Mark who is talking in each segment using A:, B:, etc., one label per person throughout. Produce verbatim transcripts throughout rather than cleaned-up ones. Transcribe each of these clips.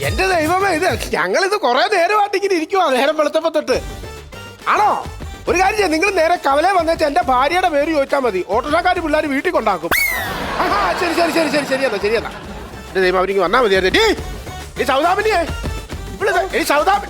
A: എന്റെ ദൈവമേ, ഇത് ഞങ്ങളിത് കുറെ നേരമായിട്ട് ഇങ്ങനെ ഇരിക്കുവാ, നേരം വെളുത്തപ്പോ തൊട്ട്. ആണോ? ഒരു കാര്യം ചെയ്യാം, നിങ്ങൾ നേരെ കവലേ വന്നേച്ച് എന്റെ ഭാര്യയുടെ പേര് ചോദിച്ചാൽ മതി. ഓട്ടോഷക്കാർ പിള്ളേർ വീട്ടിൽ കൊണ്ടാക്കും. ആഹാ, ശരി ശരി ശരി ശരി ശരിയെന്നാ ശരിയെന്നാ. എന്റെ ദൈവം, അവരിക്ക് വന്നാൽ മതിയായിരുന്നു. ഈ സൗദാമിനിയെ ഇവിടെ ഈ സൗദാമിനി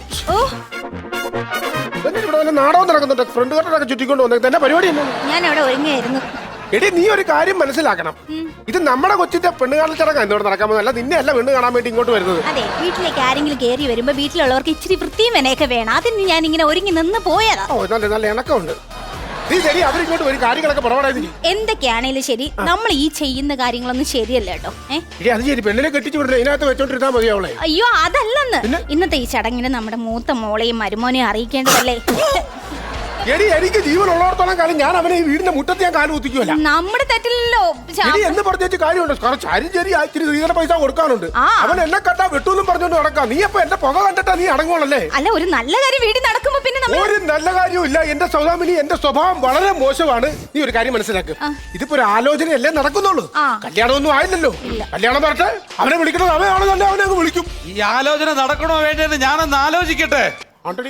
A: ഇവിടെ വല്ല നാടകം നടക്കുന്നുണ്ട്. ഫ്രണ്ടുകാരോടൊക്കെ ചുറ്റിക്കൊണ്ട് വന്നേക്കുന്നത് എന്റെ പരിപാടി എന്നാ?
B: ഞാൻ അവിടെ ഒരുങ്ങിയായിരുന്നു.
A: എടി, നീ ഒരു കാര്യം മനസ്സിലാക്കണം. ഇത് നമ്മുടെ കൊച്ചിന്റെ പെണ്ണുകാണൽ ചടങ്ങാ ഇന്നോട് നടക്കാൻ പോകുന്നത്. അല്ല നിന്നെ അല്ല പെണ്ണ് കാണാൻ വേണ്ടി ഇങ്ങോട്ട് വരുന്നത്.
B: അതെ, വീട്ടിലേക്ക് ആരെങ്കിലും കയറി വരുമ്പോ വീട്ടിലുള്ളവർക്ക് ഇച്ചിരി വൃത്തിയും വിനയൊക്കെ വേണം. അതിന് ഞാൻ ഇങ്ങനെ ഒരുങ്ങി നിന്ന് പോയതാ.
A: ഓ, നല്ല നല്ല ഇണക്കമുണ്ട്. നീ ശരി, അവരിങ്ങോട്ട് ഒരു കാര്യങ്ങളൊക്കെ പുറപാടായി.
B: എന്തൊക്കെയാണേലും ശരി, നമ്മൾ ഈ ചെയ്യുന്ന കാര്യങ്ങളൊന്നും ശരിയല്ല കേട്ടോ.
A: ഏഹ് അത് ശരി, പെണ്ണിനെ കെട്ടിച്ചു വിടില്ല, ഇതിനകത്ത് വെച്ചോണ്ടിരുന്നാ മതി അവളെ.
B: അയ്യോ, അതല്ലെന്ന്. ഇന്നത്തെ ഈ ചടങ്ങിന് നമ്മുടെ മൂത്ത മോളെയും മരുമോനെയും അറിയിക്കേണ്ടതല്ലേ?
A: എടി, എനിക്ക് ജീവൻ ഉള്ളോടത്തോളം കാലം ഞാൻ അവനെ ഈ വീടിന്റെ മുറ്റത്ത് ഞാൻ കാല് കുത്തിക്കുമല്ല.
B: നമ്മുടെ തെറ്റില്ലല്ലോ.
A: എന്ന് പറഞ്ഞ കാര്യമുണ്ട്. കാരണം ചരി ചെരി ഇച്ചിരി സ്ത്രീധന പൈസ കൊടുക്കാനുണ്ട്. അവൻ എന്നെ കണ്ടാ വെട്ടൂന്നും പറഞ്ഞോണ്ട് നടക്കാം. നീ അപ്പൊ എന്റെ പുക കണ്ടിട്ടാ നീ അടങ്ങുള്ളല്ലേ?
B: അല്ല, ഒരു നല്ല കാര്യം വീട്ടിൽ നടക്കുമ്പോ പിന്നെ
A: ഒരു നല്ല കാര്യമില്ല. എന്റെ സൗദാമിനി, എന്റെ സ്വഭാവം വളരെ മോശമാണ്. നീ ഒരു കാര്യം മനസ്സിലാക്ക്. ഇതിപ്പോ ഒരു ആലോചനയല്ലേ നടക്കുന്നുള്ളൂ. കല്യാണമൊന്നും ആയില്ലല്ലോ. കല്യാണം പറഞ്ഞിട്ട് അവനെ വിളിക്കണത് അവനാണ്, തന്നെ അവനെ അങ്ങ് വിളിക്കും.
C: ഈ ആലോചന നടക്കണോ വേണ്ടെന്ന് ഞാനൊന്ന് ആലോചിക്കട്ടെ.
A: ആണ്ടടി,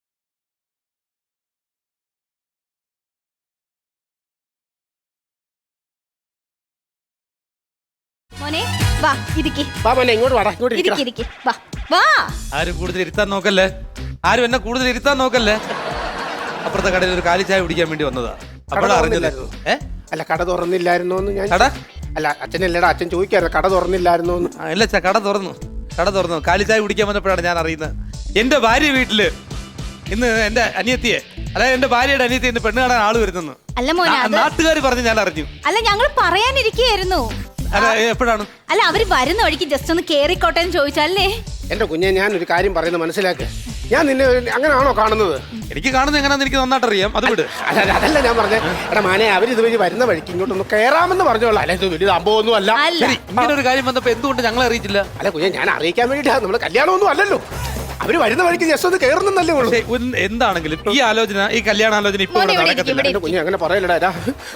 B: മോനെ വാ, ഇരിക്ക്.
A: വാ മോനെ, ഇങ്ങോട്ട് വാടാ, ഇങ്ങോട്ട്
B: ഇരിക്ക്, ഇരിക്ക്. വാ വാ.
C: ആരും കൂടുതൽ ഇരുത്താൻ നോക്കല്ലേ, ആരും എന്നെ കൂടുതൽ ഇരുത്താൻ നോക്കല്ലേ. അപ്പുറത്തെ കടയിൽ ഒരു കാലി ചായ കുടിക്കാൻ വേണ്ടി വന്നതാ. അപ്പോഴാ അറിഞ്ഞത്. ഏ
A: അല്ല, കട തുറന്നില്ലായിരുന്നോ എന്ന് ഞാൻ.
C: കട
A: അല്ല, അച്ഛനല്ലേടാ, അച്ഛൻ ചോദിക്കാറ് കട തുറന്നില്ലായിരുന്നോ എന്ന്.
C: ഇല്ല ചാ, കട തുറന്നു, കട തുറന്നു. കാലി ചായ കുടിക്കാൻ വന്നപ്പോഴാണ് ഞാൻ അറിയുന്നത്. എന്റെ ഭാര്യ വീട്ടില് ഇന്ന് എന്റെ അനിയത്തിയെ, അതായത് എന്റെ ഭാര്യയുടെ അനിയത്തി ഇന്ന് പെണ്ണ് കാണാൻ ആള് വരുന്നെന്ന്.
B: അല്ല മോനെ,
C: നാട്ടുകാർ പറഞ്ഞ് ഞാൻ അറിഞ്ഞു.
B: അല്ല, ഞങ്ങൾ പറയാനിരിക്കുകയായിരുന്നു.
C: എപ്പോഴാണ്?
B: അല്ല, അവര് വരുന്ന വഴിക്ക് ജസ്റ്റ് ഒന്ന് കേറിക്കോട്ടെ എന്ന് ചോദിച്ചല്ലേ.
A: എന്റെ കുഞ്ഞെ, ഞാൻ ഒരു കാര്യം പറയുന്നത് മനസ്സിലാക്ക്. ഞാൻ നിന്നെ അങ്ങനെയാണോ കാണുന്നത്?
C: എനിക്ക് കാണുന്നത് എങ്ങനെയാന്ന് എനിക്ക് നന്നായിട്ട് അറിയാം. അത് വിട്.
A: അല്ല, അതല്ല ഞാൻ പറഞ്ഞത്. എടാ മാനെ, അവർ ഇതുവഴി വരുന്ന വഴിക്ക് ഇങ്ങോട്ടൊന്ന് കയറാമെന്ന് പറഞ്ഞോളാം. അല്ലെ, ഇത് വലിയ സംഭവമൊന്നും അല്ല.
C: ശരി, ഇങ്ങനെ ഒരു കാര്യം വന്നപ്പോ എന്തുകൊണ്ട് ഞങ്ങളെ അറിയിച്ചില്ല?
A: അല്ല കുഞ്ഞെ, ഞാൻ അറിയിക്കാൻ വേണ്ടിട്ടാ. നമ്മള് കല്യാണമൊന്നും അല്ലല്ലോ. അവര് വരുന്ന വഴിക്ക് ജസ്റ്റ് ഒന്ന് കയറുന്നല്ലേ ഉള്ളൂ.
C: എന്താണെങ്കിലും ഈ ആലോചന, ഈ കല്യാണാലോചന ഇപ്പൊ നടക്കത്തില്ല.
A: കുഞ്ഞ് അങ്ങനെ പറയലടാ.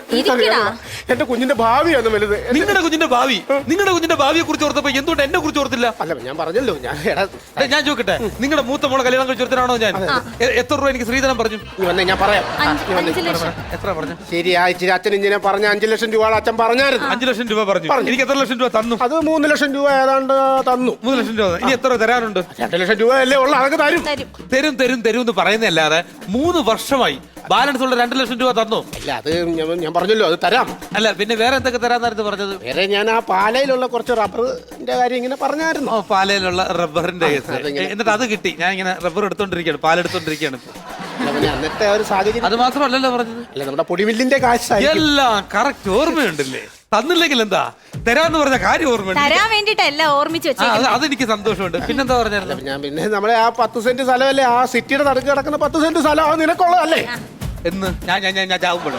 A: എന്റെ കുഞ്ഞിന്റെ ഭാവിയാണ് വലുത്.
C: നിങ്ങളുടെ കുഞ്ഞിന്റെ ഭാവി, നിങ്ങളുടെ കുഞ്ഞിന്റെ ഭാവിയെ കുറിച്ച് ഓർത്തപ്പോ എന്തുകൊണ്ട് എന്നെ കുറിച്ച് ഓർത്തില്ല?
A: അല്ല, ഞാൻ പറഞ്ഞല്ലോ. ഞാൻ
C: ഞാൻ ചോദിക്കട്ടെ, നിങ്ങളുടെ മൂത്ത മോളെ കല്യാണം കഴിച്ചോർത്തിനാണോ ഞാൻ? എത്ര രൂപ എനിക്ക് ശ്രീധരൻ പറഞ്ഞു?
A: വന്നേ, ഞാൻ പറയാം.
C: എത്ര പറഞ്ഞു?
A: ശരി, ഇച്ചിരി അച്ഛൻ ഇങ്ങനെ പറഞ്ഞ അഞ്ചു ലക്ഷം രൂപ അച്ഛൻ പറഞ്ഞായിരുന്നു.
C: അഞ്ചു ലക്ഷം രൂപ പറഞ്ഞു. എനിക്ക് എത്ര ലക്ഷം രൂപ തന്നു?
A: അത് മൂന്ന് ലക്ഷം രൂപ ഏതാണ്ട് തന്നു.
C: മൂന്ന് ലക്ഷം രൂപ. ഇനി എത്ര തരാനുണ്ട്?
A: രണ്ട് ലക്ഷം രൂപ അല്ലേ ഉള്ള അതൊക്കെ തരും.
C: തരും തരും തരും എന്ന് പറയുന്നല്ലാതെ മൂന്ന് വർഷമായി ബാലൻസ് ഉള്ള രണ്ട് ലക്ഷം രൂപ തന്നു.
A: അല്ല, അത് ഞാൻ പറഞ്ഞല്ലോ, അത് തരാം.
C: അല്ല, പിന്നെ വേറെ എന്തൊക്കെ തരാന്നായിരുന്നു പറഞ്ഞത്?
A: വേറെ ഞാൻ ആ പാലയിലുള്ള കുറച്ച് റബ്ബറിന്റെ കാര്യം ഇങ്ങനെ പറഞ്ഞായിരുന്നു.
C: ഓ, പാലയിലുള്ള റബ്ബറിന്റെ കേസ്. എന്നിട്ട് അത് കിട്ടി. ഞാൻ ഇങ്ങനെ റബ്ബർ എടുത്തോണ്ടിരിക്കുകയാണ്, പാലെടുത്തോണ്ടിരിക്കുകയാണ്.
A: അന്നത്തെ ഒരു സാഹചര്യം.
C: അത് മാത്രമല്ലല്ലോ പറഞ്ഞത്.
A: അല്ല, നമ്മുടെ പൊടിമില്ലിന്റെ കാശ്
C: എല്ലാം കറക്റ്റ് ഓർമ്മയുണ്ടല്ലേ. തന്നില്ലെങ്കിൽ എന്താ, തരാന്ന് പറഞ്ഞ കാര്യം ഓർമ്മയുണ്ട്.
B: തരാൻ വേണ്ടിട്ടല്ല ഓർമ്മിച്ച് വെച്ചേക്കുന്നത്.
C: അതെനിക്ക് സന്തോഷമുണ്ട്. പിന്നെന്താ പറഞ്ഞാൽ
A: ഞാൻ പിന്നെ നമ്മളെ ആ പത്ത് സെന്റ് സ്ഥലമല്ലേ, ആ സിറ്റിയുടെ നടുക്ക് കിടക്കുന്ന പത്ത് സെന്റ് സ്ഥലം അത് നിനക്കുള്ളതല്ലേ
C: എന്ന് ഞാൻ ഞാൻ ഞാൻ ചാവുമ്പോഴോ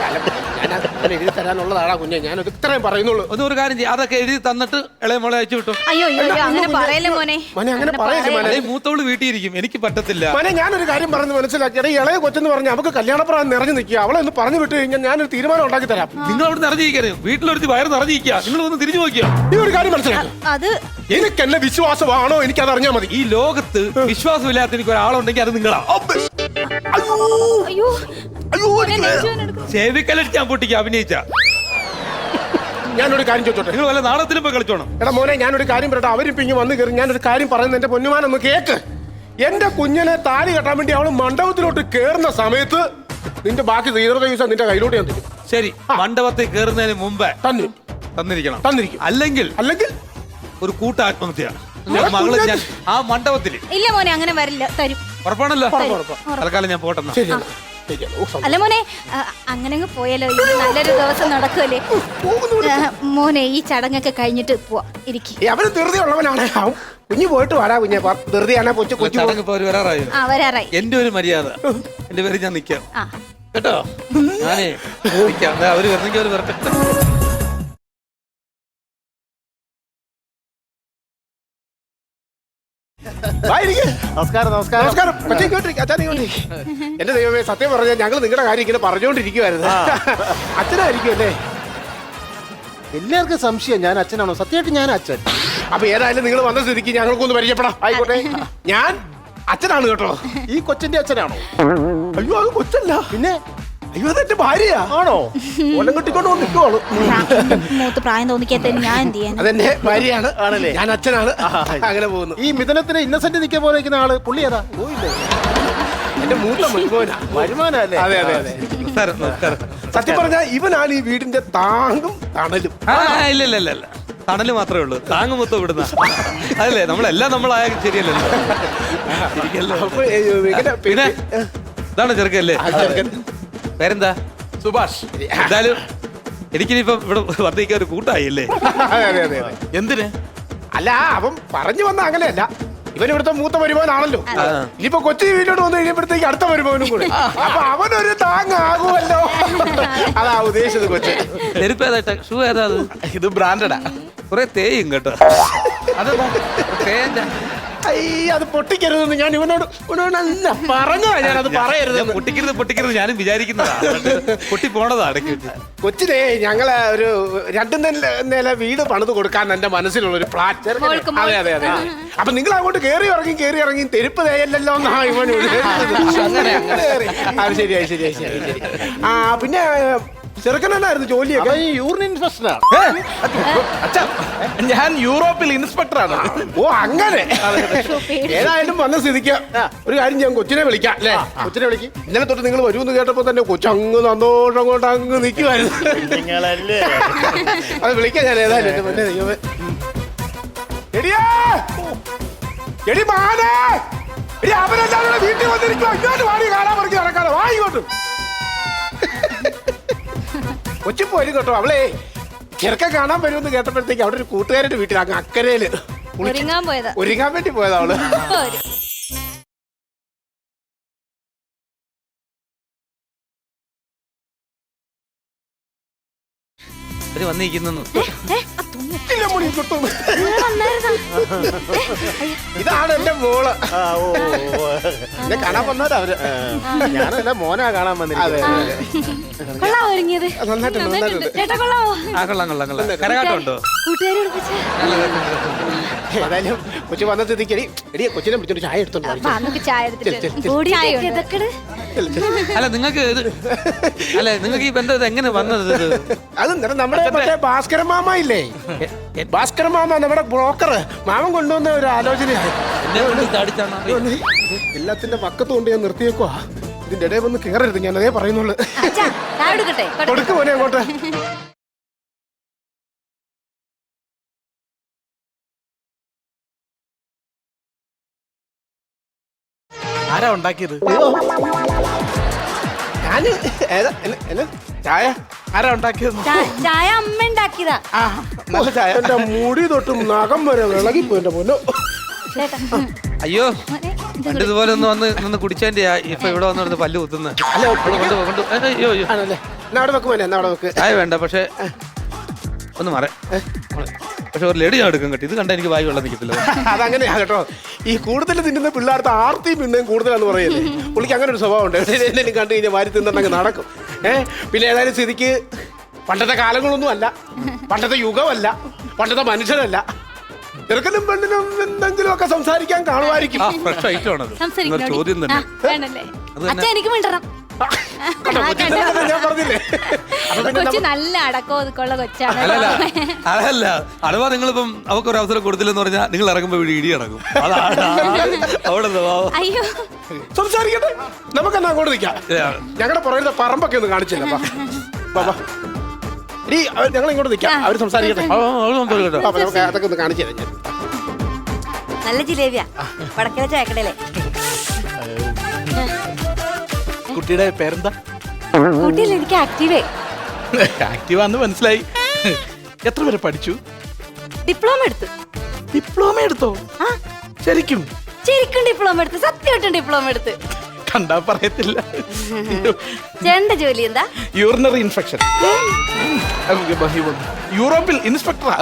A: ഞാൻ എഴുതി തരാനുള്ളതാടാ കുഞ്ഞെ. ഞാൻ ഇത്രയും പറയുന്നുള്ളൂ.
C: ഒന്ന് ഒരു കാര്യം ചെയ്യും, അതൊക്കെ എഴുതി തന്നിട്ട് ഇളയ മോളെ അയച്ചു വിട്ടു.
B: അയ്യോ അങ്ങനെ പറയല്ലേ മോനെ.
A: മോനെ അങ്ങനെ പറയല്ലേ.
C: മൂത്തോള് വീട്ടിയിരിക്കും, എനിക്ക് പറ്റത്തില്ല.
A: മോനെ, ഞാനൊരു കാര്യം പറഞ്ഞ് മനസ്സിലാക്കിയത്, ഇളയ കൊച്ചെന്ന് പറഞ്ഞ് നമുക്ക് കല്യാണപ്രായം നിറഞ്ഞു നിൽക്കുക. അവളെ ഒന്ന് പറഞ്ഞു വിട്ട് കഴിഞ്ഞാൽ ഞാനൊരു തീരുമാനം ഉണ്ടാക്കി തരാം.
C: നിങ്ങൾ അവിടെ നിറഞ്ഞിരിക്കരുത്, വീട്ടിലൊരുത്തി വയറ് നിറഞ്ഞിരിക്കുക. നിങ്ങൾ ഒന്ന് തിരിഞ്ഞു നോക്കിയോ?
A: ഈ ഒരു കാര്യം മനസ്സിലാക്കി.
B: അത്
A: എനിക്ക് എന്നെ വിശ്വാസമാണോ എനിക്കത് അറിഞ്ഞാൽ മതി.
C: ഈ ലോകത്ത് വിശ്വാസമില്ലാത്ത എനിക്ക് ഒരാളുണ്ടെങ്കിൽ അത് നിങ്ങളാ.
B: അയ്യോ
C: ചെവിക്കലടിച്ച് ഞാൻ പൊട്ടിക്ക് അഭിനയിച്ച.
A: ഞാനൊരു കാര്യം ചോദിച്ചോട്ടെ,
C: നിങ്ങൾ വല്ല നാടകത്തിലും പോയി കളിച്ചോണം.
A: എടാ മോനെ, ഞാനൊരു കാര്യം പറയട്ടെ. അവരിപ്പോ ഇങ്ങനെ വന്ന് കയറി ഞാനൊരു കാര്യം പറയുന്നത് എന്റെ പൊന്നുമാനൊന്ന് കേക്ക്. എന്റെ കുഞ്ഞിനെ താലി കെട്ടാൻ വേണ്ടി അവള് മണ്ഡപത്തിലോട്ട് കേറുന്ന സമയത്ത് നിന്റെ ബാക്കി ശ്രീധര ദിവസം നിന്റെ കയ്യിലോട്ട് ഞാൻ തരും.
C: ശരി, മണ്ഡപത്തിൽ കയറുന്നതിന് മുമ്പേ
A: തന്നു
C: തന്നിരിക്കണം.
A: തന്നിരിക്കും.
C: അല്ലെങ്കിൽ
A: അല്ലെങ്കിൽ
C: ഒരു കൂട്ടാത്മഹത്യയാണ്. മകള് ഞാൻ ആ മണ്ഡപത്തിൽ.
B: ഇല്ല മോനെ, അങ്ങനെ വരില്ല. തരും.
C: ഉറപ്പാണല്ലോ? തൽക്കാലം ഞാൻ പോട്ടെന്നാ.
B: അല്ല മോനെ, അങ്ങനെ പോയാലോ, ഇത് നല്ലൊരു ദിവസം നടക്കുമല്ലേ മോനെ. ഈ ചടങ്ങൊക്കെ കഴിഞ്ഞിട്ട് പോവാ. ഇരിക്കും.
A: അവന് ധൃതി ഉള്ളവനാണ്. കുഞ്ഞു പോയിട്ട് വരാ കുഞ്ഞെ. ധൃതിയാണെ കൊച്ചു കൊച്ചു
C: ചടങ്ങ് ഇപ്പൊ വരാറായി.
B: ആ വരാറായി.
C: എന്റെ ഒരു മര്യാദ, എന്റെ പേര് ഞാൻ നിക്കാം കേട്ടോ. ഞാനേ നിക്കാം, അവര് വരണമെങ്കിൽ അവര് വരട്ടെ.
A: നമസ്കാരം നമസ്കാരം നമസ്കാരം. എന്റെ ദൈവമേ, സത്യം പറഞ്ഞാൽ ഞങ്ങൾ നിങ്ങളുടെ കാര്യം ഇങ്ങനെ പറഞ്ഞുകൊണ്ടിരിക്കുവായിരുന്നു. അച്ഛനായിരിക്കും അല്ലേ?
D: എല്ലാവർക്കും സംശയം ഞാൻ അച്ഛനാണോ? സത്യമായിട്ട് ഞാൻ അച്ഛൻ.
A: അപ്പൊ ഏതായാലും നിങ്ങൾ വന്ന സ്ഥിതിക്ക് ഞങ്ങൾക്കൊന്ന് പരിചയപ്പെടാം.
D: ആയിക്കോട്ടെ.
A: ഞാൻ അച്ഛനാണ് കേട്ടോ.
D: ഈ കൊച്ചിന്റെ അച്ഛനാണോ?
A: അയ്യോ അത് കൊച്ചല്ല,
D: പിന്നെ
A: അയ്യോ അതെന്റെ ഭാര്യയാ.
D: ആണോ? കൊല്ലം കെട്ടിക്കൊണ്ട് നിൽക്കുവാള്.
B: മൂത്ത് പ്രായം തോന്നിക്കാത്ത ഞാൻ എന്ത് ചെയ്യാൻ?
A: അതെന്റെ ഭാര്യയാണ്.
D: ആണല്ലേ?
A: ഞാൻ അച്ഛനാണ്. അങ്ങനെ പോകുന്നു.
D: ഈ മിഥുനത്തിന് ഇന്നസെന്റ് നിൽക്കാൻ പോലെ നിൽക്കുന്ന ആള് പുള്ളി ഏതാ? പോയില്ലേ?
A: എന്റെ മൂത്ത മരുമോനാ.
D: വരുമാനല്ലേ?
A: അതെ അതെ അതെ.
C: നമസ്കാരം, നമസ്കാരം.
A: സത്യം പറഞ്ഞാൽ ഇവനാണ് ഈ വീടിന്റെ താങ്ങും തണലും.
C: ആ, ഇല്ല ഇല്ല ഇല്ല ഇല്ല തണല് മാത്രമേ ഉള്ളൂ, താങ്ങ് മൊത്തം ഇവിടുന്ന. അതല്ലേ നമ്മളെല്ലാം നമ്മളായ ശരിയല്ലല്ലോ. ഇരിക്കല്ലോ.
A: അപ്പൊ, ഏ, ഇങ്ങനെ
C: പിന്നെ ഇതാണ് ചെറുക്കല്ലേ?
A: ആ, ചെറുക്കൻ.
C: പേരെന്താ?
A: സുഭാഷ്.
C: എന്തായാലും എനിക്കിനിപ്പം ഇവിടെ വർദ്ധിക്കാൻ ഒരു കൂട്ടായില്ലേ?
A: അതെ അതെ അതെ അതെ.
D: എന്തിന്?
A: അല്ല അവൻ പറഞ്ഞു വന്ന അങ്ങനെയല്ല, ഇവൻ ഇവിടുത്തെ മൂത്ത വരുമാനാണല്ലോ.
C: ആ.
A: ഇനിയിപ്പോ കൊച്ചി വീട്ടിലോട്ട് വന്നു കഴിയുമ്പോഴത്തേക്ക് അടുത്ത വരുമാനും കൂടെ, അപ്പൊ അവനൊരു താങ്ങാകുമല്ലോ. അതാ ഉദ്ദേശിച്ചത് കൊച്ചി.
C: ചെരുപ്പ് ഏതാ? ഷൂ ഏതാ? അത്
D: ഇത് ബ്രാൻഡഡാ.
C: കുറെ തേയും കേട്ടോ.
D: അതെന്താ?
C: തേഞ്ഞ
A: അയ്യ അത് പൊട്ടിക്കരുതെന്ന് ഞാൻ ഇവനോട് ഇവനോടല്ല പറഞ്ഞതാ, ഞാനത് പറയരുത്.
C: പൊട്ടിക്കരുത് പൊട്ടിക്കരുത് ഞാനും വിചാരിക്കുന്നതാ. പൊട്ടി പോണതാ ഇടയ്ക്ക് വെച്ച്.
A: കൊച്ചിനെ ഞങ്ങള് ഒരു രണ്ടു നില നില വീട് പണിത് കൊടുക്കാൻ എന്റെ മനസ്സിലുള്ള ഒരു പ്ലാൻ.
B: മോൾക്ക്
A: അതെ അതെ അതെ. അപ്പൊ നിങ്ങൾ അങ്ങോട്ട് കേറി ഇറങ്ങി കേറി ഇറങ്ങി തെരുപ്പ് തേയല്ലോ എന്നാ ഇവൻ അങ്ങനെ അങ്ങനെ അത് ശരിയായി ശരിയായി ശരി ശരി. ആ പിന്നെ ചെറുക്കനായിരുന്നു ജോലിയൊക്കെ.
D: അവൻ ഈ യൂറിൻ ഇൻഫെക്ഷനാ.
A: അച്ഛാ
D: ഞാൻ യൂറോപ്പിൽ ഇൻസ്പെക്ടറാണ്.
A: ഓ അങ്ങനെ. ഏതായാലും വന്ന സ്ഥിതിക്ക് ഒരു കാര്യം ഞാൻ കൊച്ചിനെ വിളിക്കാം അല്ലേ?
D: കൊച്ചിനെ വിളിക്ക്.
A: ഇന്നലെ തൊട്ട് നിങ്ങൾ വരുമെന്ന് കേട്ടപ്പോ തന്നെ കൊച്ചങ്ങ് സന്തോഷം കൊണ്ട് അങ്ങ് നിൽക്കുമായിരുന്നു.
D: നിങ്ങളല്ലേ?
A: അത് വിളിക്കാം ഞാൻ ഏതായാലും. എന്റെ മുന്നേ ദൈവമേ. എടിയേ! എടി മാനേ! എടി അവരെല്ലാവരും കൂടെ വീട്ടിൽ വന്നിരിക്കുവാ. ഇങ്ങോട്ട് വാടി കാണാൻ പറിക്ക് നടക്കാതെ വാ ഇങ്ങോട്ട്. കൊച്ചി പോരും കേട്ടോ. അവളെ ചെറുക്കം കാണാൻ വരുമെന്ന് കേട്ടപ്പോഴത്തേക്ക് അവിടെ ഒരു കൂട്ടുകാരുടെ വീട്ടിൽ അങ്ങ് അക്കരയില്
B: ഒരുങ്ങാൻ പോയതാ.
A: ഒരുങ്ങാൻ വേണ്ടി പോയതാ അവള്.
B: ഒരു.
C: അവര് വന്നിരിക്കുന്നു.
B: ഏ, ആ തുണി
A: ഇല്ല, മുടി കിട്ടും.
B: നിങ്ങൾ വന്നായിരുന്നോ?
A: ഇതാണ് എന്റെ മോള്.
D: ആ, ഓ, ഓ, ഓ.
A: എന്നെ കാണാൻ വന്നവരാ അവര്.
D: ഞാനല്ല മോനാ കാണാൻ
A: അതെ
D: വന്നിരിക്കുന്നത്.
A: അതെ.
B: കൊള്ളാവോ ഒരുങ്ങിയത്?
A: നന്നായിട്ടുണ്ട്, നന്നായിട്ടുണ്ട്.
B: ചേട്ടാ കൊള്ളാവോ?
C: ആ കൊള്ളാം കൊള്ളാം കൊള്ളാം. കരകാട്ടം ഉണ്ടോ?
B: കൂട്ടുകാരി വിളിപ്പിച്ചേ.
A: ഏതായാലും കൊച്ചു വന്ന സ്ഥിതിക്ക് എടി എടി കൊച്ചിനെ പിടിച്ചൊരു ചായ എടുത്തോണ്ട് വാ.
B: വാ, നമുക്ക് ചായ എടുത്തിട്ട്
A: ചെൽ, ചെൽ, ചെൽ.
B: ഓടി ഇതൊക്കെ ഇട്.
C: അല്ല നിങ്ങൾക്ക് ഇത് അല്ല നിങ്ങൾക്ക് ഈ ബന്ധം ഇത് എങ്ങനെ വന്നത്? ഇത്
A: അത് ഇന്നലെ നമ്മുടെ മറ്റേ ഭാസ്കര മാമ ഇല്ലേ? ഭാസ്കര മാമ നമ്മുടെ ബ്രോക്കർ മാമൻ കൊണ്ടുവന്ന ഒരു ആലോചനയാണ്.
C: എന്നെ കൊണ്ട് ചാടിച്ചാണോ?
A: എല്ലാത്തിന്റെ പക്കത്ത് കൊണ്ട് ഞാൻ നിർത്തിയേക്കുവാ. ഇതിന്റെ ഇടയിൽ വന്ന് കേറരുത്, ഞാൻ അതേ പറയുന്നുള്ളു.
B: അച്ഛാ, ചായ എടുക്കട്ടെ?
A: കൊടുക്ക് പോനെ അങ്ങോട്ട്.
D: ആരാ ഉണ്ടാക്കിയത്?
A: ഞാന് ഏതാ എന്നെ- എന്നെ ചായ
D: ആരാ ഉണ്ടാക്കിയത്?
B: ചാ- ചായ അമ്മ ഉണ്ടാക്കിയതാ.
A: ആ നല്ല ചായ. എന്റെ മുടി തൊട്ടും നഖം വരെ വിളകിപ്പോ എന്റെ പൊന്നോ.
B: ചേട്ടാ,
C: അയ്യോ
B: മോനെ, ഇത്
C: പണ്ട് ഇതുപോലെ ഒന്ന് വന്ന് നിന്ന് കുടിച്ചതിന്റെ ഇപ്പൊ ഇവിടെ വന്നിടത്ത് പല്ല് കുത്തുന്നത്.
A: അല്ല
C: കൊണ്ട് കൊണ്ട് അയ്യോ അയ്യോ
A: ആണല്ലേ? എന്നാ അവിടെ വെക്ക് മോനെ, എന്നാ അവിടെ വെക്ക്.
C: ചായ വേണ്ട, പക്ഷെ ഒന്ന് മാറ. പക്ഷെ ഒരു ലഡു ഞാൻ എടുക്കും കേട്ടോ. ഇത് കണ്ട എനിക്ക് വായു വെള്ളം നിൽക്കത്തില്ല.
A: അതങ്ങനെയാ കേട്ടോ. ഈ കൂടുതൽ തിന്നുന്ന പിള്ളേർക്ക് ആർത്തിയും പിന്നെയും കൂടുതലാന്ന് പറയല്ലേ. പുള്ളിക്ക് അങ്ങനെ ഒരു സ്വഭാവം ഉണ്ട്. എന്തെങ്കിലും കണ്ടു കഴിഞ്ഞാൽ വാരി തിന്നങ്ങ് നടക്കും. ഏഹ് പിന്നെ ഏതായാലും സ്ഥിതിക്ക് പണ്ടത്തെ കാലങ്ങളൊന്നും അല്ല, പണ്ടത്തെ യുഗമല്ല, പണ്ടത്തെ മനുഷ്യരല്ല. ചെറുക്കനും പെണ്ണിനും എന്തെങ്കിലും ഒക്കെ സംസാരിക്കാൻ കാണുമായിരിക്കും.
C: ആ ഫ്രഷ് ഐറ്റം ആണത്.
B: സംസാരിക്കണോടി.
C: ചോദ്യം തന്നെ.
B: ആ, വേണ്ടല്ലേ?
C: അത് തന്നെ.
B: അച്ഛാ, എനിക്ക് മിണ്ടണം.
A: കണ്ടോ, കൊച്ചിൻ തന്നെ ഞാൻ പറഞ്ഞില്ലേ. അപ്പൊ പിന്നെ
B: കൊച്ചു
A: നമ്മ-
B: നല്ല അടക്കോ ഒതുക്കുള്ള കൊച്ചാണ്.
C: അല്ലല്ല അതല്ല അഥവാ നിങ്ങളിപ്പം അവർക്ക് ഒരു അവസരം കൊടുത്തില്ലെന്ന് പറഞ്ഞാൽ നിങ്ങൾ ഇറങ്ങുമ്പോ ഇവിടെ ഇടി ഇറങ്ങും. അതാണ് അവിടെ സ്വഭാവം.
B: അയ്യോ,
A: സംസാരിക്കട്ടെ, നമുക്കെന്നാ അങ്ങോട്ട് നിൽക്കാം. ഞങ്ങളുടെ പുറകിലത്തെ പറമ്പൊക്കെ ഒന്ന് കാണിച്ചില്ല. ഞങ്ങൾ ഇങ്ങോട്ട് നിൽക്കാം, അവര് സംസാരിക്കട്ടെ.
C: ആ, അവള് സംസാരിക്കട്ടെ.
A: അപ്പൊ നമുക്ക് അതൊക്കെ ഒന്ന് കാണിച്ചു തരാം ഞാൻ.
B: നല്ല ജിലേബിയാ. വടക്കര ചായക്കടയിലെ.
D: കുട്ടിയുടെ പേരെന്താ?
B: കൂട്ടിയിൽ എനിക്ക് ആക്റ്റീവേ.
D: ആക്റ്റീവാന്ന് മനസ്സിലായി. എത്ര വരെ പഠിച്ചു?
B: ഡിപ്ലോമ എടുത്തു.
D: ഡിപ്ലോമ എടുത്തോ?
B: ആ,
D: ശരിക്കും?
B: ശരിക്കും ഡിപ്ലോമ എടുത്ത്, സത്യമായിട്ടും ഡിപ്ലോമ എടുത്ത്.
D: കണ്ടാ പറയത്തില്ല.
B: ചേട്ടന്റെ ജോലി എന്താ?
D: Urinary infection. യൂറോപ്പിൽ ഇൻസ്പെക്ടറാ.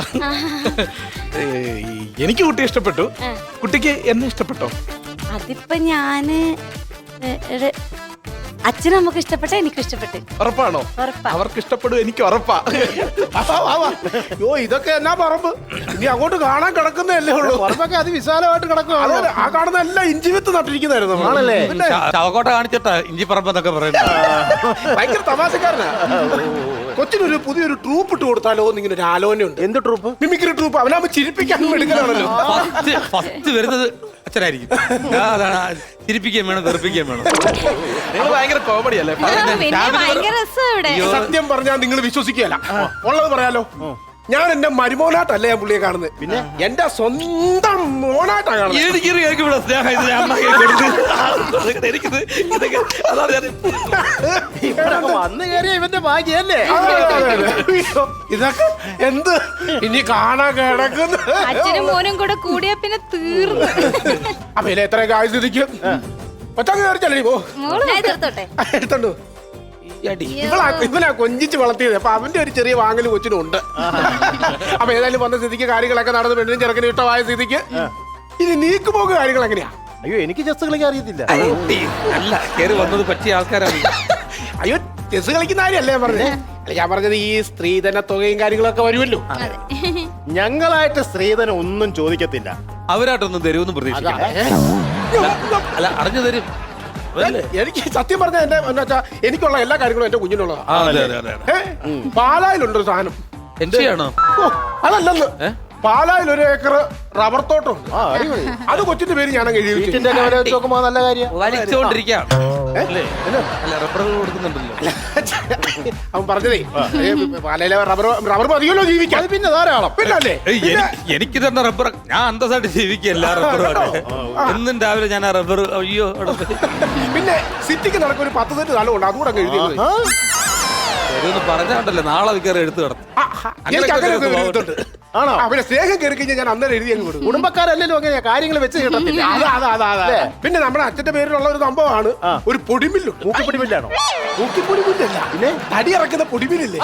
D: എനിക്ക് കുട്ടി ഇഷ്ടപ്പെട്ടു. കുട്ടിക്ക് എന്നെ ഇഷ്ടപ്പെട്ടോ?
B: അതിപ്പോ ഞാന് അച്ഛനും നമുക്ക് ഇഷ്ടപ്പെട്ട എനിക്ക് ഇഷ്ടപ്പെട്ട്
D: ഉറപ്പാണോ?
B: ഉറപ്പാ.
D: അവർക്ക് ഇഷ്ടപ്പെടും, എനിക്ക് ഉറപ്പാ.
A: വാ, വാ, വാ. യോ ഇതൊക്കെ എന്നാ പറമ്പ് ഇനി അങ്ങോട്ട് കാണാൻ കിടക്കുന്നതല്ലേ ഉള്ളൂ.
E: പറമ്പൊക്കെ അതിവിശാലമായിട്ട് കിടക്കുകയാണ്.
A: അതെ, ആ കാണുന്ന എല്ലാം ഇഞ്ചി വിത്ത് നട്ടിരിക്കുന്നതായിരുന്നു നമ്മൾ.
E: ആണല്ലേ?
A: പിന്നെ
C: ചവക്കോട്ട കാണിച്ചിട്ടാ ഇഞ്ചി പറമ്പെന്നൊക്കെ പറയുന്നത്.
A: ഭയങ്കര തമാശക്കാരനാ. കൊച്ചിനൊരു പുതിയൊരു ട്രൂപ്പ് ഇട്ട് കൊടുത്താലോ എന്നിങ്ങനെ ഒരു ആലോചനയുണ്ട്.
E: എന്ത് ട്രൂപ്പ്?
A: Mimicry troupe. അവനാകുമ്പോ ചിരിപ്പിക്കാനും എടുക്കലാണല്ലോ.
C: ഫസ്റ്റ് ഫസ്റ്റ് വരുന്നത് അച്ഛനായിരിക്കും. ആ, അതാണ് ആ, ചിരിപ്പിക്കുകയും വേണം, വെറുപ്പിക്കുകയും വേണം.
D: നിങ്ങൾ ഭയങ്കര കോമഡി അല്ലേ?
B: ആ, പിന്നെ ഭയങ്കര രസം ഇവിടെ.
A: സത്യം പറഞ്ഞാൽ നിങ്ങൾ വിശ്വസിക്കുകയല്ല. ഉള്ളത് പറയാലോ, ഞാൻ എന്റെ മരുമോനായിട്ടല്ല ഞാൻ പുള്ളിയെ കാണുന്നത്. പിന്നെ എന്റെ സ്വന്തം മോനായിട്ടാ കാണുന്നത്.
C: എനിക്കൊരു കേക്ക് ഇവിടെ സ്നേഹം ഇത് ഞാൻ അമ്മ കേക്ക് കൊടുത്ത് എനിക്കിത് ഇതൊക്കെ അതാണ് ഞാൻ
E: ഇവിടൊക്കെ വന്നു കയറിയ ഇവന്റെ ഭാഗ്യല്ലേ?
A: അതെ, അതെ, അതെ. അയ്യോ, ഇതൊക്കെ എന്ത് ഇനി കാണാൻ കിടക്കുന്നു.
B: അച്ഛനും മോനും കൂടെ കൂടിയാ പിന്നെ തീർന്നു.
A: അപ്പൊ ഇതിൽ എത്രയൊക്കെ ആയുധിക്കും ഒറ്റങ്ങ് കയറിച്ചല്ലേ പോ.
B: മോള് ഞാൻ തീർത്തോട്ടെ.
A: എടുത്തോണ്ടു.
C: അടി.
A: ഇവളാ ഇവനാ കൊഞ്ചിച്ച് വളർത്തിയത്. അപ്പൊ അവന്റെ ഒരു ചെറിയ വാങ്ങൽ കൊച്ചിനും ഉണ്ട്. അപ്പൊ ഏതായാലും വന്ന സ്ഥിതിക്ക് കാര്യങ്ങളൊക്കെ നടന്ന് പെണ്ണിനും ചെറുക്കനും ഇഷ്ടമായ സ്ഥിതിക്ക് ഇനി നീക്കുപോക്ക് കാര്യങ്ങൾ എങ്ങനെയാ?
E: അയ്യോ, എനിക്ക് ചെസ് കളിക്കാൻ അറിയത്തില്ല.
C: അടി. അല്ല കയറി വന്നത് പറ്റിയ ആൾക്കാരാണ്.
A: അയ്യോ, ചെസ് കളിക്കുന്ന കാര്യമല്ലേ ഞാൻ പറഞ്ഞത്. അല്ല ഞാൻ പറഞ്ഞത് ഈ സ്ത്രീധന തുകയും കാര്യങ്ങളൊക്കെ വരുമല്ലോ.
E: ഞങ്ങളായിട്ട് സ്ത്രീധനം ഒന്നും ചോദിക്കത്തില്ല.
C: അവരായിട്ടൊന്നും തരുമെന്നും പ്രതീക്ഷിക്കാം. അല്ല അറിഞ്ഞു തരും.
A: എനിക്ക് സത്യം പറഞ്ഞ എന്റെ എന്താ വെച്ചാ എനിക്കുള്ള എല്ലാ കാര്യങ്ങളും എന്റെ കുഞ്ഞിനുള്ളതാ.
C: ആ, അതെ അതെ അതെ അതെ.
A: ഏ? പാലായിലുണ്ടൊരു സാധനം.
C: എന്റെയാണോ?
A: ഓ, അതല്ലെന്ന്.
C: ഏ?
A: പാലായിൽ ഒരു ഏക്കർ റബ്ബർ തോട്ടം.
E: ആ, അടിപൊളി.
A: അത് കൊച്ചിന്റെ പേര് ഞാനങ്ങ് എഴുതി വെച്ചു.
E: വീട്ടിന്റെ ഒക്കെ വില വെച്ച് നോക്കുമ്പോ നല്ല കാര്യം.
C: വലിച്ചോണ്ടിരിക്കാം അല്ലേ? അല്ല റബ്ബറുകൾ കൊടുക്കുന്നുണ്ടല്ലോ.
A: അവൻ പറഞ്ഞതേ ഏ, പാലയിലെ റബ്ബർ റബ്ബർ മതിയല്ലോ ജീവിക്കാൻ.
E: അത് പിന്നെ ധാരാളം.
A: പിന്നല്ലേ
C: ഏയ്, എനിക്ക് എനിക്ക് തന്നെ റബ്ബർ ഞാൻ അന്തസ്സായിട്ട് ജീവിക്കല്ല റബ്ബറുമായിട്ട്. എന്നും രാവിലെ ഞാൻ ആ റബ്ബർ അയ്യോ അവിടെ പോയി.
A: പിന്നെ സിറ്റിക്ക് നടക്കുന്ന ഒരു പത്ത് സെന്റ് സ്ഥലമുണ്ട്. അതുകൂടെ അങ്ങ് എഴുതി വെച്ചു.
E: ആ,
C: ഇതൊന്ന് പറഞ്ഞാണ്ടല്ലോ നാളെ വിൽക്കാറ് എടുത്തു കിടന്നു.
A: ആ, ആ, എനിക്ക് അങ്ങനെ ഒരു എഴുത്തുണ്ട്.
E: ആണോ?
A: ആ, പിന്നെ സ്നേഹം കയറി കഴിഞ്ഞാൽ ഞാൻ അന്നേരം എഴുതി അങ്ങ് കൊടുക്കും.
E: കുടുംബക്കാരല്ലല്ലോ അങ്ങനെയാ കാര്യങ്ങൾ വെച്ച് കിട്ടത്തില്ല.
A: അതാ അതാ അതാ അതാ പിന്നെ നമ്മുടെ അച്ഛന്റെ പേരിലുള്ള ഒരു സംഭവമാണ് ഒരു പൊടിമില്ലുണ്ട്.
E: മൂക്കിപ്പിടിമില്ലാണോ?
A: പൊടിമില്ലല്ല പിന്നെ തടി ഇറക്കുന്ന പൊടിമില്ലേ.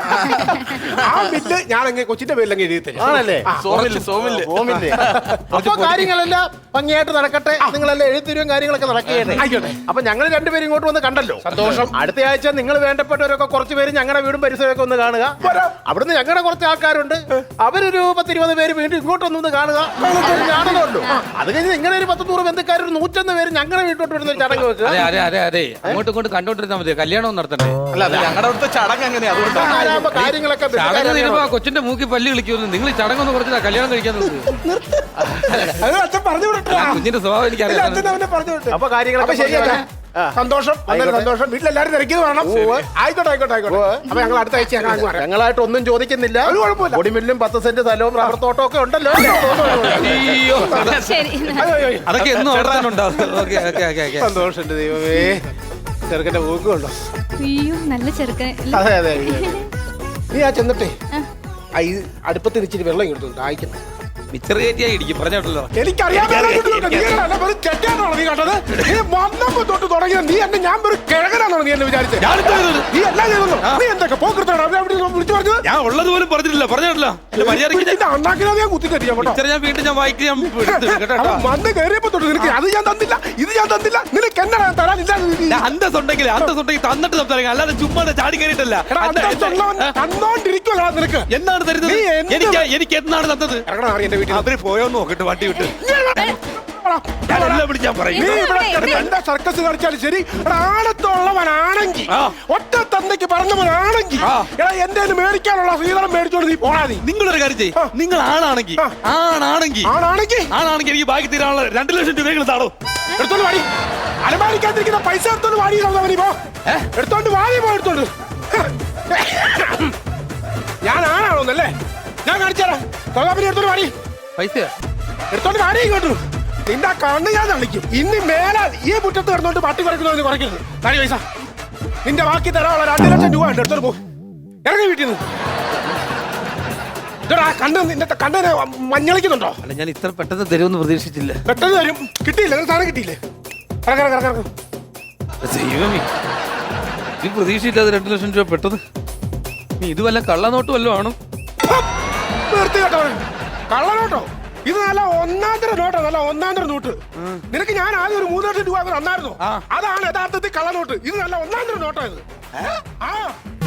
A: ആ മില്ല് ഞാൻ അങ്ങ് കൊച്ചിന്റെ പേരിൽ അങ്ങ് എഴുതി തരും.
E: ആണല്ലേ?
A: ആ,
D: സോമില് സോമില്
E: ഓമില്ലേ? അപ്പൊ കാര്യങ്ങളെല്ലാം ഭംഗിയായിട്ട് നടക്കട്ടെ. നിങ്ങളെല്ലാം എഴുത്തിരും കാര്യങ്ങളൊക്കെ നടക്കുകയാണ്.
A: ആയിക്കോട്ടെ.
E: അപ്പൊ ഞങ്ങൾ രണ്ടുപേരും ഇങ്ങോട്ട് വന്ന് കണ്ടല്ലോ.
A: സന്തോഷം.
E: അടുത്ത ആഴ്ച നിങ്ങൾ വേണ്ടപ്പെട്ടവരൊക്കെ കുറച്ച് പേര് ഞങ്ങളുടെ വീടും പരിസരമൊക്കെ ഒന്ന് കാണുക.
A: വരാം.
E: അവിടുന്ന് ഞങ്ങളുടെ കുറച്ച് ആൾക്കാരുണ്ട്. അവരൊരു പത്തിരുപത് പേര് വീണ്ടും ഇങ്ങോട്ടൊന്നും ഒന്ന് കാണുക. ഞാനല്ലോ. അത് കഴിഞ്ഞ് ഇങ്ങനെ ഒരു പത്ത് നൂറ് ബന്ധുക്കാർ ഒരു നൂറ്റൊന്ന് പേര് ഞങ്ങളുടെ വീട്ടോട്ട് വരുന്ന ഒരു ചടങ്ങ് വെക്കുക.
C: അതെ അതെ അതെ അതെ അങ്ങോട്ടും ഇങ്ങോട്ടും കണ്ടോണ്ടിരുന്നാ മതി. കല്യാണം നടത്തണ്ടേ?
D: അല്ല അത് ഞങ്ങളുടെ അവിടുത്തെ ചടങ്ങ് എങ്ങനെയാ? അതുകൊണ്ട്
E: ആരാകുമ്പോ കാര്യങ്ങളൊക്കെ
C: ചടങ്ങ്
E: ബന്ധുക്കാരെ
C: തീരുമ്പോ ആ കൊച്ചിന്റെ മൂക്കി പല്ലി കളിക്കുമെന്ന് നിങ്ങൾ ഈ ചടങ്ങൊന്നും കുറച്ചില്ല കല്യാണം കഴിക്കാൻ നോക്ക്.
A: അത് അച്ഛൻ പറഞ്ഞു വിട്ടു.
C: കുഞ്ഞിന്റെ സ്വഭാവം
A: ഇല്ല, അച്ഛൻ
C: എനിക്കറിയാം.
A: അവനെ പറഞ്ഞു വിട്ടു.
E: അപ്പൊ കാര്യങ്ങളൊക്കെ
A: അപ്പൊ ശരിയല്ലേ?
E: ആ.
A: സന്തോഷം വളരെ സന്തോഷം. വീട്ടിലെല്ലാരും തിരക്കിയത് വേണം. ആയിക്കോട്ടെ ആയിക്കോട്ടെ ആയിക്കോട്ടെ. അപ്പൊ ഞങ്ങൾ അടുത്ത ആഴ്ച ഞങ്ങൾ അങ്ങ് വരാം.
E: ഞങ്ങളായിട്ട് ഒന്നും ചോദിക്കുന്നില്ല.
A: ഒരു കുഴപ്പമില്ല.
E: പൊടിമില്ലും പത്ത് സെന്റ് സ്ഥലവും റബ്ബർ തോട്ടവും ഒക്കെ ഉണ്ടല്ലോ.
C: അയ്യോ
B: ശരി.
A: അയ്യോ, അയ്യോ, അയ്യോ.
C: അതൊക്കെ എന്നും അവിടെ തന്നെ ഉണ്ടാവും. Okay okay okay okay.
A: സന്തോഷം എന്റെ ദൈവമേ. ചെറുക്കന്റെ ഊക്കുണ്ടോ?
B: അയ്യോ നല്ല ചെറുക്കൻ.
A: അതെ അതെ അതെ. നീ ആ ചെന്നിട്ടേ ആ ഈ അടുപ്പത്തിന് ഇച്ചിരി വെള്ളം ഇങ്ങോട്ട് അയക്കണം.
C: മിച്ചർ കയറ്റിയായി ഇടിക്കും പറഞ്ഞോട്ടല്ലോ.
A: എനിക്കറിയാൻ ചെറ്റാണോ നീ കണ്ടത്? നീ വന്നപ്പോ തൊട്ട് തുടങ്ങിയ നീ എന്നെ ഞാൻ ഒരു കിഴകനാണോ നീ എന്നെ വിചാരിച്ചത്? നീ എല്ലാം ചെയ്തു. നീ എന്തൊക്കെ പോക്കൃത്താണ് വിളിച്ചു പറഞ്ഞത്?
C: ഞാൻ ഉള്ളത് പോലും പറഞ്ഞിട്ടില്ല പറഞ്ഞോട്ടല്ലോ.
A: അണ്ണാക്കിനാ ഞാൻ കുത്തി തരിക കേട്ടോ.
C: മിച്ചർ ഞാൻ വീണ്ടും ഞാൻ വായിക്ക് ഞാൻ എടുത്തു കേട്ടോ.
A: അവൻ വന്ന് കയറിയപ്പോ തൊട്ട് നിനക്ക് അത് ഞാൻ തന്നില്ല ഇത് ഞാൻ തന്നില്ല നിനക്ക് എന്നാ തരാനില്ല.
C: ഞാൻ അന്തസ് ഉണ്ടെങ്കിൽ അന്തസ് ഉണ്ടെങ്കിൽ തന്നിട്ട് സംസാരിക്കാം. അല്ലാതെ ചുമ്മാ ചാടി കയറിയിട്ടല്ല.
A: തന്നോണ്ടിരിക്കുവല്ലോ നിനക്ക്.
C: എന്നാണ് തരുന്നത്?
A: നീ എന്ത്
C: എനിക്ക് എനിക്ക് എന്നാണ് തന്നത്?
A: ഇറങ്ങണം അറിയ എന്റെ വീട്ടിൽ.
C: അവര് പോയോന്ന് നോക്കിട്ട് വണ്ടി വിട്ട് ഞാൻ എല്ലാം വിളിച്ചാൻ പറയും.
A: നീ ഇവിടെ കിടന്ന് എന്താ സർക്കസ് കളിച്ചാലും ശരി, എടാ ആണത്തുള്ളവനാണെങ്കിൽ
C: ആ.
A: ഒറ്റ തന്തയ്ക്ക് പറഞ്ഞവനാണെങ്കിൽ
C: ആ.
A: എടാ എന്റെ മേടിക്കാനുള്ള ശ്രീധരം മേടിച്ചോണ്ട് നീ പോടാ. നീ
C: നിങ്ങളൊരു കാര്യം ചെയ്യ്. നിങ്ങൾ ആണാണെങ്കിൽ
A: ആ.
C: ആണാണെങ്കിൽ
A: ആണാണെങ്കിൽ
C: ആണാണെങ്കിൽ എനിക്ക് ബാക്കി തീരാനുള്ള രണ്ട് ലക്ഷം രൂപയെങ്കിലും താടോ.
A: എടുത്തോണ്ട് വാടി. അലമാരിക്കാതിരിക്കുന്ന പൈസ എടുത്തോണ്ട് വാടി. നീ പോ എടുത്തോണ്ട് വാടി പോ എടുത്തോണ്ട്. ഞാൻ ആണാണോന്നല്ലേ ഞാൻ കാണിച്ചാലോ. തൊഴിലാളി എടുത്തോണ്ട് വാടി.
C: പൈസ
A: എടുത്തോണ്ട് വാടി ഇങ്ങോട്ട്. നിന്റെ കണ്ണ് ഞാൻ തള്ളിക്കും. ഇനി മേലാൽ ഈ മുറ്റത്ത് കിടന്നോണ്ട് പട്ടി കുറയ്ക്കുന്നതിന് കുറയ്ക്കരുത്. താടി പൈസ നിന്റെ ബാക്കി തരാനുള്ള രണ്ട് ലക്ഷം രൂപ ഉണ്ട്. എടുത്തോണ്ട് പോ. ഇറങ്ങി വീട്ടിൽ നിന്ന്. ഇതോടാ കണ്ണ് നിന്റെ കണ്ണിനെ മഞ്ഞളിക്കുന്നുണ്ടോ?
C: അല്ല ഞാൻ ഇത്ര പെട്ടെന്ന് തരുമെന്ന് പ്രതീക്ഷിച്ചില്ല.
A: പെട്ടെന്ന് തരും. കിട്ടിയില്ല നിനക്ക് സാധനം കിട്ടിയില്ലേ? ഇറങ്ങ ഇറങ്ങ ഇറങ്ങ.
C: ദൈവമേ ഈ പ്രതീക്ഷയില്ലാതെ രണ്ട് ലക്ഷം രൂപ പെട്ടെന്ന്. നീ ഇത് വല്ല കള്ളനോട്ട് വല്ലതും ആണോ?
A: നിർത്തി കേട്ടോ. കള്ളനോട്ടോ ഇത് നല്ല ഒന്നാന്തര നോട്ടാ, നല്ല ഒന്നാന്തര നോട്ട്. നിനക്ക് ഞാൻ ആദ്യം ഒരു മൂന്ന് ലക്ഷം രൂപ തന്നായിരുന്നു.
C: ആ.
A: അതാണ് യഥാർത്ഥത്തിൽ കള്ളനോട്ട്. ഇത് നല്ല ഒന്നാന്തര നോട്ടാ ഇത്. ആ